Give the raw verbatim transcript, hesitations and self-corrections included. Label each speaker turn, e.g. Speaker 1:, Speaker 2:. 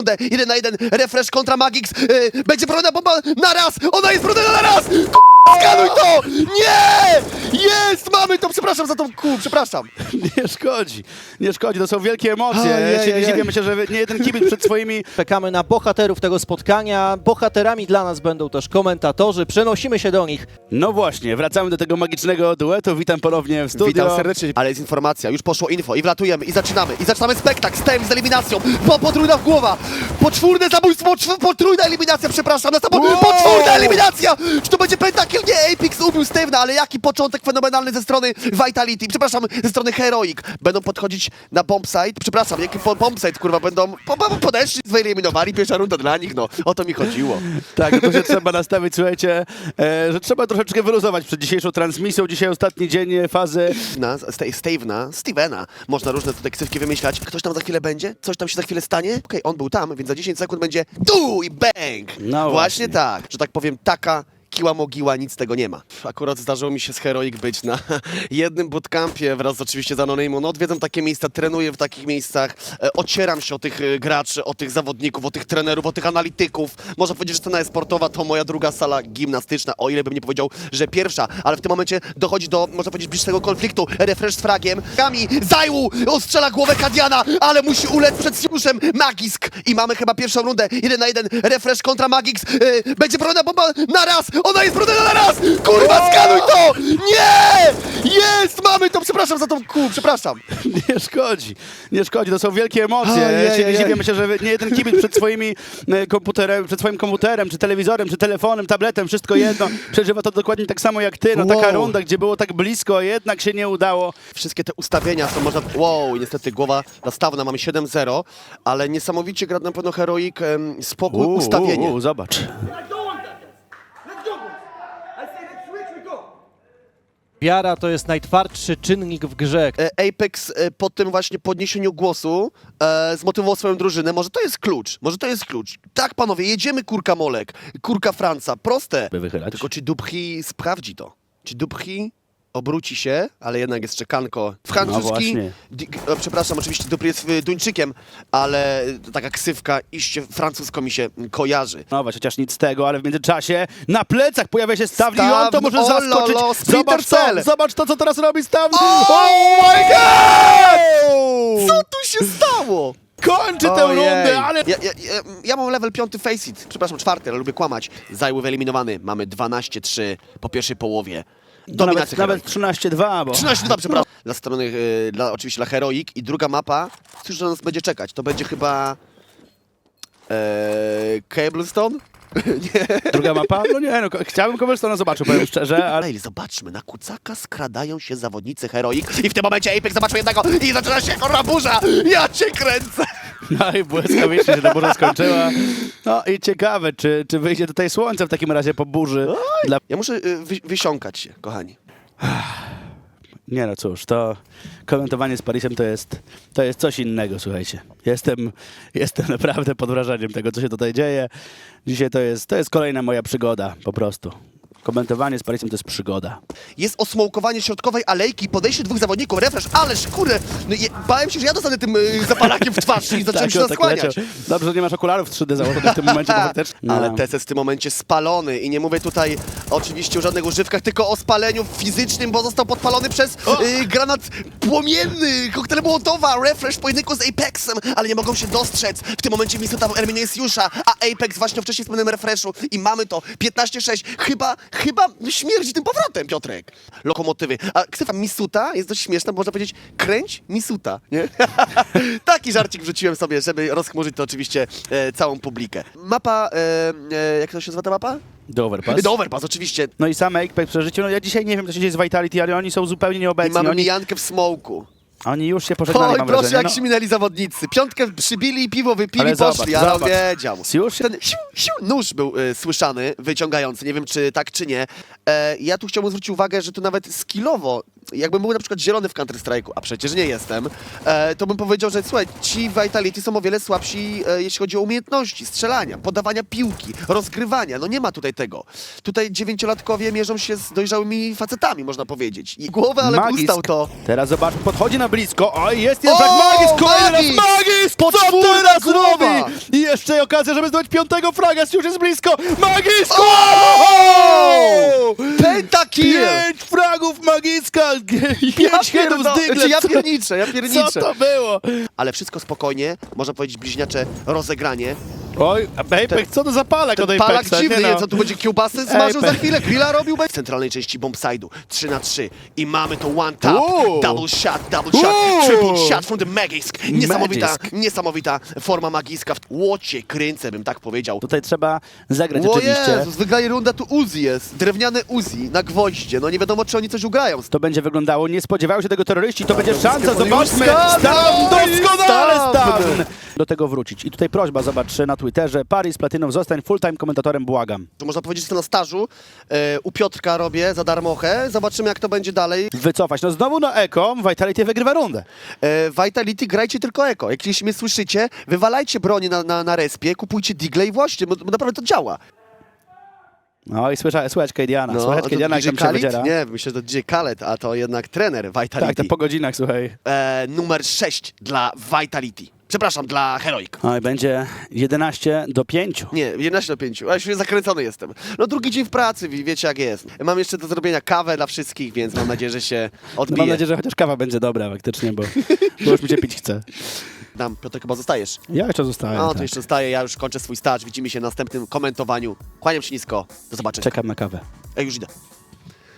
Speaker 1: rundę, jeden na jeden, refresh kontra Magix, yy, będzie broniona bomba na raz, ona jest broniona na raz! K***a, skanuj to! Nie! Jest! Mamy to! Przepraszam za tą kół, przepraszam.
Speaker 2: Nie szkodzi, nie szkodzi, to są wielkie emocje.
Speaker 1: Ojej,
Speaker 2: Ja się nie
Speaker 1: ojej.
Speaker 2: dziwię, myślę, że nie jeden kibic przed swoimi...
Speaker 3: Czekamy na bohaterów tego spotkania. Bohaterami dla nas będą też komentatorzy. Przenosimy się do nich.
Speaker 2: No właśnie, wracamy do tego magicznego duetu. Witam ponownie w studio.
Speaker 1: Witam serdecznie. Ale jest informacja, już poszło info i wlatujemy i zaczynamy. I zaczynamy spektakl z tym, z eliminacją. Po, potrójna w głowa. Poczwórne zabójstwo, czw, potrójna eliminacja, przepraszam. Na samo,
Speaker 2: Wow!
Speaker 1: Potwórna eliminacja! Czy to będzie pentakill? Nie, Apex ubił Steve'na, ale jaki początek fenomenalny ze strony Vitality. Przepraszam, ze strony Heroic. Będą podchodzić na bombsite. Przepraszam, jaki po, bombsite, kurwa, będą po, po, podeszli, wyeliminowali. Pierwsza runda dla nich, no. O to mi chodziło.
Speaker 2: Tak, to się trzeba nastawić, słuchajcie, e, że trzeba troszeczkę wyluzować przed dzisiejszą transmisją. Dzisiaj ostatni dzień fazy.
Speaker 1: Na Steve'na, Stevena. Można różne tutaj ksywki wymyślać. Ktoś tam za chwilę będzie? Coś tam się za chwilę stanie? Okej, okay, on był tam, więc za dziesięć sekund będzie tu i bang!
Speaker 2: No
Speaker 1: właśnie.
Speaker 2: właśnie.
Speaker 1: tak, że tak powiem, taka kiła mogiła, nic z tego nie ma. Akurat zdarzyło mi się z Heroic być na jednym bootcampie wraz z oczywiście z Anonymą. No odwiedzam takie miejsca, trenuję w takich miejscach, e, ocieram się o tych e, graczy, o tych zawodników, o tych trenerów, o tych analityków. Można powiedzieć, że scena sportowa to moja druga sala gimnastyczna, o ile bym nie powiedział, że pierwsza, ale w tym momencie dochodzi do, można powiedzieć, bliższego konfliktu. Refresh z fragiem. Kami, Zajłu, ostrzela głowę Kadiana, ale musi ulec przed Siuszem Magisk. I mamy chyba pierwszą rundę, jeden na jeden, refresh kontra Magix. E, będzie broniona bomba na raz, ona jest broniona na raz! Kurwa, skanuj to! Nie! Jest! Mamy to! Przepraszam za tą kół, przepraszam.
Speaker 2: Nie szkodzi, nie szkodzi, to są wielkie emocje.
Speaker 1: Ojej,
Speaker 2: Ja się nie
Speaker 1: ojej.
Speaker 2: dziwię, myślę, że nie jeden kibic przed swoimi e, komputerem, przed swoim komputerem, czy telewizorem, czy telefonem, tabletem, wszystko jedno, przeżywa to dokładnie tak samo jak ty. No taka
Speaker 1: Wow.
Speaker 2: runda, gdzie było tak blisko, a jednak się nie udało.
Speaker 1: Wszystkie te ustawienia są można... Wow, i niestety głowa nastawna, mamy siedem zero, ale niesamowicie gra na pewno Heroic, em, spokój,
Speaker 2: U,
Speaker 1: ustawienie.
Speaker 2: u, u, zobacz.
Speaker 4: I don't want that, guys. Let's go, boys. I say let's switch, we go.
Speaker 3: Wiara to jest najtwardszy czynnik w grze.
Speaker 1: E, Apex e, po tym właśnie podniesieniu głosu e, zmotywował swoją drużynę. Może to jest klucz, może to jest klucz. Tak, panowie, jedziemy kurka Molek, kurka Franca, proste.
Speaker 2: By wychylać.
Speaker 1: Tylko czy Dubhi sprawdzi to? Czy Dubhi obróci się, ale jednak jest czekanko francuski.
Speaker 2: No właśnie.
Speaker 1: Di- e, przepraszam, oczywiście Dubhi jest y, Duńczykiem, ale taka ksywka iście francusko mi się kojarzy.
Speaker 2: No właśnie, chociaż nic z tego, ale w międzyczasie na plecach pojawia się Stawli i on to
Speaker 1: Stawli,
Speaker 2: może
Speaker 1: o
Speaker 2: zaskoczyć.
Speaker 1: lolo,
Speaker 2: Zobacz to,
Speaker 1: Splinter Cell.
Speaker 2: zobacz to, co teraz robi Stawli.
Speaker 1: Oh
Speaker 2: my god!
Speaker 1: Co tu się stało?
Speaker 2: Kończy tę
Speaker 1: Ojej.
Speaker 2: rundę, ale...
Speaker 1: Ja, ja, ja, ja mam level piąty face it, przepraszam, czwarty, ale lubię kłamać. Zajły wyeliminowany, mamy dwanaście trzy po pierwszej połowie.
Speaker 2: No
Speaker 1: Dominacja
Speaker 2: nawet, nawet
Speaker 1: Heroic.
Speaker 2: trzynaście dwa, bo...
Speaker 1: trzynaście dwa, przepraszam. Dla strony, y, dla, oczywiście dla Heroic i druga mapa, cóż na nas będzie czekać? To będzie chyba... E, Cablestone? Nie.
Speaker 2: Druga mapa? No nie, no, chciałbym kogoś to zobaczył, powiem szczerze, ale...
Speaker 1: Ej, zobaczmy, na kucaka skradają się zawodnicy Heroic i w tym momencie Apex zobaczył jednego i zaczyna się kurwa burza! Ja cię kręcę!
Speaker 2: No i błyskawicznie się ta burza skończyła. No i ciekawe, czy, czy wyjdzie tutaj słońce w takim razie po burzy. Dla...
Speaker 1: Ja muszę y, wy, wysiąkać się, kochani.
Speaker 2: Nie no cóż, to komentowanie z Parisem to jest, to jest coś innego, słuchajcie. Jestem, jestem naprawdę pod wrażeniem tego, co się tutaj dzieje. Dzisiaj to jest, to jest kolejna moja przygoda, po prostu. Komentowanie z Parisem to jest przygoda.
Speaker 1: Jest osmołkowanie środkowej alejki, podejście dwóch zawodników, refresh, ależ kurde, no je, bałem się, że ja dostanę tym y, zapalakiem w twarz i zacząłem się
Speaker 2: on
Speaker 1: naskłaniać.
Speaker 2: leciał. Dobrze, że nie masz okularów trzy D założonych w tym momencie, bo faktycznie... No.
Speaker 1: Ale Teses w tym momencie spalony i nie mówię tutaj oczywiście o żadnych używkach, tylko o spaleniu fizycznym, bo został podpalony przez y, granat płomienny, koktajl Mołotowa, refresh w pojedynku z Apexem, ale nie mogą się dostrzec. W tym momencie Misuta eliminuje Siusza, a Apex właśnie wcześniej wspomnianym refreshu i mamy to piętnaście sześć. Chyba, chyba śmierdzi tym powrotem, Piotrek. Lokomotywy. A ksywa Misuta jest dość śmieszna, bo można powiedzieć kręć Misuta, nie? Taki żarcik wrzuciłem sobie, żeby rozchmurzyć to oczywiście e, całą publikę. Mapa, e, e, jak to się nazywa ta mapa?
Speaker 2: Do Overpass.
Speaker 1: Do Overpass, oczywiście.
Speaker 2: No i sam Apex przeżyciu. No ja dzisiaj nie wiem, co się dzieje z Vitality, ale oni są zupełnie
Speaker 1: I
Speaker 2: nieobecni.
Speaker 1: mamy
Speaker 2: Oni,
Speaker 1: mijankę w smoku.
Speaker 2: oni już się pożegnali,
Speaker 1: Oj,
Speaker 2: mam
Speaker 1: proszę,
Speaker 2: wrażenie.
Speaker 1: jak
Speaker 2: No.
Speaker 1: się minęli zawodnicy. Piątkę przybili i piwo wypili,
Speaker 2: Ale
Speaker 1: poszli,
Speaker 2: zobacz,
Speaker 1: ale
Speaker 2: zobacz.
Speaker 1: wiedział.
Speaker 2: Już się...
Speaker 1: Ten siu, siu, nóż był y, słyszany, wyciągający, nie wiem czy tak czy nie. E, ja tu chciałbym zwrócić uwagę, że tu nawet skillowo jakbym był na przykład zielony w Counter-Strike'u, a przecież nie jestem, e, to bym powiedział, że słuchaj, ci Vitality są o wiele słabsi, e, jeśli chodzi o umiejętności strzelania, podawania piłki, rozgrywania. No nie ma tutaj tego. Tutaj dziewięciolatkowie mierzą się z dojrzałymi facetami, można powiedzieć. I głowę, ale
Speaker 2: Magisk.
Speaker 1: ustał to.
Speaker 2: Teraz zobacz, podchodzi na blisko. Oj, jest jeden
Speaker 1: O,
Speaker 2: frag. Magisk, kolejny raz
Speaker 1: Magisk!
Speaker 2: Magisk! Co
Speaker 1: Podwórna
Speaker 2: teraz
Speaker 1: głowa!
Speaker 2: robi? I jeszcze okazja, żeby zdobyć piątego fraga, już jest blisko. Magisk!
Speaker 1: O! Pentakill!
Speaker 2: Pięć fragów Magiska!
Speaker 1: Ja
Speaker 2: Pięć hitów
Speaker 1: pierdo-
Speaker 2: z Diglett.
Speaker 1: Znaczy, ja pierniczę, ja
Speaker 2: Co
Speaker 1: pierniczę.
Speaker 2: to było?
Speaker 1: Ale wszystko spokojnie, można powiedzieć bliźniacze rozegranie.
Speaker 2: Oj, Apex, co to za palak
Speaker 1: Ten
Speaker 2: od
Speaker 1: palak
Speaker 2: Apexa?
Speaker 1: dziwny,
Speaker 2: Nie
Speaker 1: nie,
Speaker 2: no.
Speaker 1: co tu będzie kiełbasy smażył za
Speaker 2: Apex.
Speaker 1: chwilę, grilla robił w centralnej części bombside'u. trzy na trzy i mamy to one tap,
Speaker 2: Uuu.
Speaker 1: double shot, double shot,
Speaker 2: Uuu.
Speaker 1: triple shot from the Magisk. Niesamowita,
Speaker 2: Magisk.
Speaker 1: niesamowita forma Magiska. W łocie kręcę, bym tak powiedział.
Speaker 2: Tutaj trzeba zagrać
Speaker 1: O
Speaker 2: oczywiście.
Speaker 1: Jezus, wygrali rundę, tu Uzi jest. Drewniane Uzi na gwoździe. No nie wiadomo, czy oni coś ugrają.
Speaker 2: To będzie wyglądało, nie spodziewają się tego terroryści, to będzie szansa,
Speaker 1: Już
Speaker 2: zobaczmy!
Speaker 1: Stawn!
Speaker 2: Stawn, doskonale
Speaker 1: Stawn!
Speaker 2: Stawn! Do tego wrócić. I tutaj prośba, zobacz na Twitterze, Paris Platinum, zostań full-time komentatorem, błagam.
Speaker 1: To można powiedzieć, że to na stażu. E, u Piotrka robię za darmochę. Zobaczymy, jak to będzie dalej.
Speaker 2: Wycofać. No znowu na Eko, Vitality wygrywa rundę.
Speaker 1: E, Vitality, grajcie tylko eko. Jak jeśli mnie słyszycie, wywalajcie broni na, na, na respie, kupujcie digle i właśnie, bo, bo naprawdę to działa.
Speaker 2: No i słychać, słychać Kadiana, słychać
Speaker 1: to
Speaker 2: Kadiana, jak
Speaker 1: D J
Speaker 2: tam się
Speaker 1: Khaled?
Speaker 2: wydziera.
Speaker 1: Nie, myślę, że to D J Khaled, a to jednak trener Vitality.
Speaker 2: Tak, to po godzinach, słuchaj.
Speaker 1: e, numer sześć dla Vitality. Przepraszam, dla Heroic.
Speaker 2: Oj, będzie jedenaście do pięciu.
Speaker 1: Nie, jedenaście do pięciu, a już zakręcony jestem. No drugi dzień w pracy, wi- wiecie jak jest. Mam jeszcze do zrobienia kawę dla wszystkich, więc mam nadzieję, że się
Speaker 2: No
Speaker 1: odbije.
Speaker 2: mam nadzieję, że chociaż kawa będzie dobra faktycznie, bo, bo już mi się pić chce.
Speaker 1: Dam, Piotr, chyba zostajesz.
Speaker 2: Ja jeszcze zostałem.
Speaker 1: No, to
Speaker 2: tak.
Speaker 1: jeszcze zostaję, ja już kończę swój staż. Widzimy się w następnym komentowaniu. Kłaniam się nisko. Do zobaczenia.
Speaker 2: Czekam na kawę.
Speaker 1: Ja już idę.